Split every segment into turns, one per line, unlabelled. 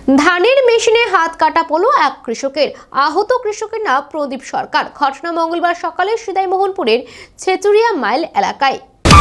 ধানের মেশিনে হাত কাটা পড়ল এক কৃষকের। আহত কৃষকের নাম প্রদীপ সরকার। ঘটনা মঙ্গলবার সকালে সিদাইমোহনপুরের ছেচুরিয়া মাইল এলাকায়।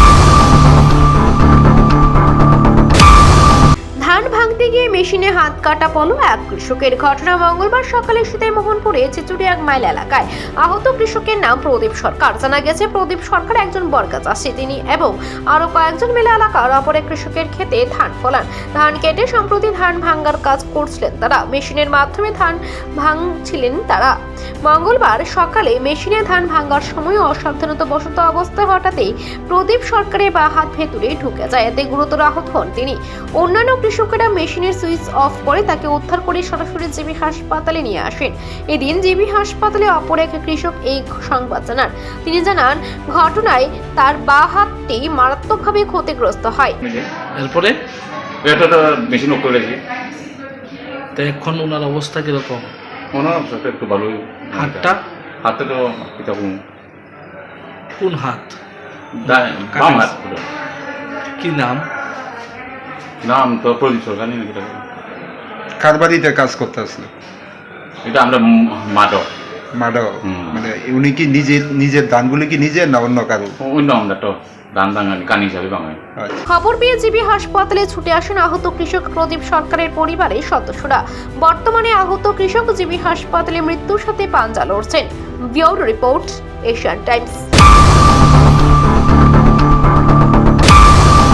ধান ভাঙতে গিয়ে মেশিনে হাত কাটা পড়ল এক কৃষকের। ঘটনা মঙ্গলবার সকালে সিদাইমোহনপুরে ছেচুরিয়া মাইল এলাকায়। আহত কৃষকের নাম প্রদীপ সরকার। জানা গেছে প্রদীপ সরকার একজন বর্গা চাষী। তিনি এবং আরো কয়েকজন মিলে এলাকার অপর এক কৃষকের ক্ষেতে ধান ফলান। ধান কেটে সম্প্রতি ধান ভাঙার কাজ করছিলেন তারা। মেশিনের মাধ্যমে ধান ভাঙছিলেন তারা। মঙ্গলবার সকালে মেশিনে ধান ভাঙার সময় অসাবধানতাবশত অবস্থায় হঠাৎই প্রদীপ সরকারের বাঁ হাত ভেতরে ঢুকে যায়। এতে গুরুতর আহত হন তিনি। অন্যান্য কৃষকেরা মেশিনের সুইচ অফ করে তাকে উদ্ধার করে সরাসরি জিবি হাসপাতালে নিয়ে আসেন। এদিন জিবি হাসপাতালে অপর এক কৃষক এই সংবাদ জানান। তিনি জানান, ঘটনায় তার বাঁ হাতটি মারাত্মকভাবে ক্ষতিগ্রস্ত হয়।
এরপরে
এটা মেশিন অফ করে রেখেছি।
তো এখন ওনার অবস্থা কিরকম?
ওনার অবস্থা একটু ভালোই। হাতটা তো এরকম।
কোন হাত?
বাম হাত পুরো।
কি নাম?
নাম তো প্রদীপ সরকার।
কার বাড়িতে কাজ করতে আসলে?
এটা আমরা মাদক।
মানে উনি কি নিজের ধানগুলি কি নিজের না অন্য কারো?
অন্য আমরা তো ধান ভাঙানি কান হিসাবে ভাঙাই।
খবর পেয়ে জিবি হাসপাতালে ছুটে আসেন আহত কৃষক প্রদীপ সরকারের পরিবারের সদস্যরা। বর্তমানে আহত কৃষক জিবি হাসপাতালে মৃত্যুর সাথে পাঞ্জা লড়ছেন। Bureau report, Asian Times.